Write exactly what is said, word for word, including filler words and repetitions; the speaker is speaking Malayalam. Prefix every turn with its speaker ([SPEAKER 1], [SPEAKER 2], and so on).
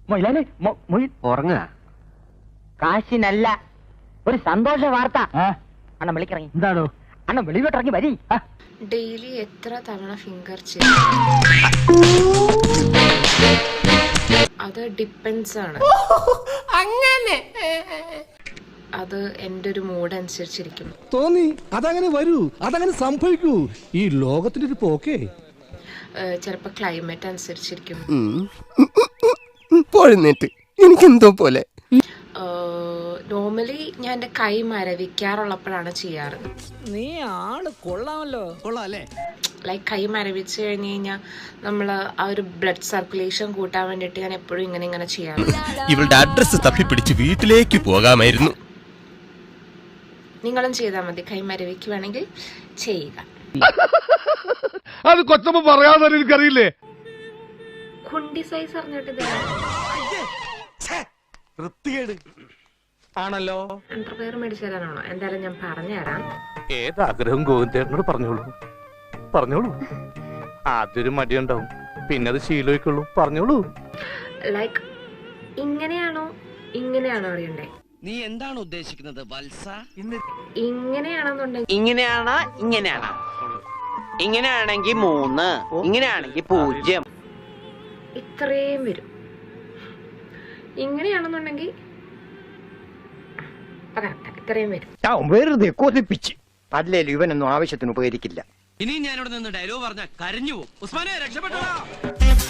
[SPEAKER 1] ഉറങ്ങുക. കാശിനല്ല, ഒരു സന്തോഷ വാർത്ത. അണ്ണൻ വിളിക്കിറങ്ങി. എന്താണോ അണ്ണൻ വെളിയിലോട്ടിറങ്ങി വരി.
[SPEAKER 2] ഡെയിലി എത്ര തവണ ഫിംഗർ ചെയ്യും? അത് ഡിപ്പെൻസ് ആണ്. അങ്ങനെ അത് എന്റെ ഒരു മൂഡ് അനുസരിച്ചിരിക്കും. തോന്നി
[SPEAKER 3] അതങ്ങനെ വരൂ, അതങ്ങനെ സംഭവിക്കൂ. ഈ ലോകത്തിന്റെ ഒരു പോക്കേ.
[SPEAKER 2] ചിലപ്പോ ക്ലൈമറ്റ് അനുസരിച്ചിരിക്കും.
[SPEAKER 1] എനിക്കെന്തോ പോലെ.
[SPEAKER 2] നോർമലി ഞാൻ എന്റെ കൈ മരവിക്കാറുള്ളപ്പോഴാണ് ചെയ്യാറ്.
[SPEAKER 4] നീ ആള് കൊള്ളാമല്ലോ. കൊള്ളാല്ലേ?
[SPEAKER 2] ലൈക്ക് കൈ മരവിച്ച് കഴിഞ്ഞ് കഴിഞ്ഞാൽ നമ്മൾ ആ ഒരു ബ്ലഡ് സർക്കുലേഷൻ കൂട്ടാൻ വേണ്ടിയിട്ട് ഞാൻ എപ്പോഴും ഇങ്ങനെ ഇങ്ങനെ ചെയ്യാറുണ്ട്.
[SPEAKER 5] ഇവളുടെ അഡ്രസ് തപ്പിപ്പിടിച്ച് വീട്ടിലേക്ക് പോകാമായിരുന്നു.
[SPEAKER 2] നിങ്ങളും ചെയ്താൽ മതി. കൈ മരവിക്കുവാണെങ്കിൽ ചെയ്യുക.
[SPEAKER 3] അത് കൊച്ചമ്മ പറയാതെ എനിക്കറിയില്ലേ.
[SPEAKER 2] കുണ്ടി സൈസ് അറിഞ്ഞിട്ട്
[SPEAKER 3] ആണല്ലോ.
[SPEAKER 2] അണ്ടർവെയർ മേടിച്ചു തരാനാണോ? എന്തായാലും ഞാൻ പറഞ്ഞുതരാം.
[SPEAKER 3] ഏതാഗ്രഹം ഗോവിന്ദേട്ടനോട് പറഞ്ഞോളൂ, പറഞ്ഞോളൂ. ആദ്യൊരു മടിയുണ്ടാവും, പിന്നെ അത് ശീലമായിക്കൊള്ളൂ. പറഞ്ഞോളൂ.
[SPEAKER 2] ലൈക്ക് ഇങ്ങനെയാണോ ഇങ്ങനെയാണോ അറിയണ്ടേ?
[SPEAKER 4] നീ എന്താണ് ഉദ്ദേശിക്കുന്നത് വത്സ?
[SPEAKER 2] ഇങ്ങനെയാണെന്നുണ്ടെങ്കിൽ
[SPEAKER 1] ഇങ്ങനെയാണോ ഇങ്ങനെയാണോ? ഇങ്ങനെയാണെങ്കിൽ മൂന്ന്, ഇങ്ങനെയാണെങ്കിൽ പൂജ്യം.
[SPEAKER 2] ഇത്രയും വരും. ഇങ്ങനെയാണെന്നുണ്ടെങ്കിൽ ഇത്രയും വരും.
[SPEAKER 1] വെറുതെ കൊതിപ്പിച്ച് അല്ലേലും ഇവനൊന്നും ആവശ്യത്തിന് ഉപകരിക്കില്ല.
[SPEAKER 4] ഇനി ഞാനിവിടെ നിന്ന് ഡയലോഗ് പറഞ്ഞാൽ കരഞ്ഞു പോകും. ഉസ്മാനെ രക്ഷപ്പെട്ടോ.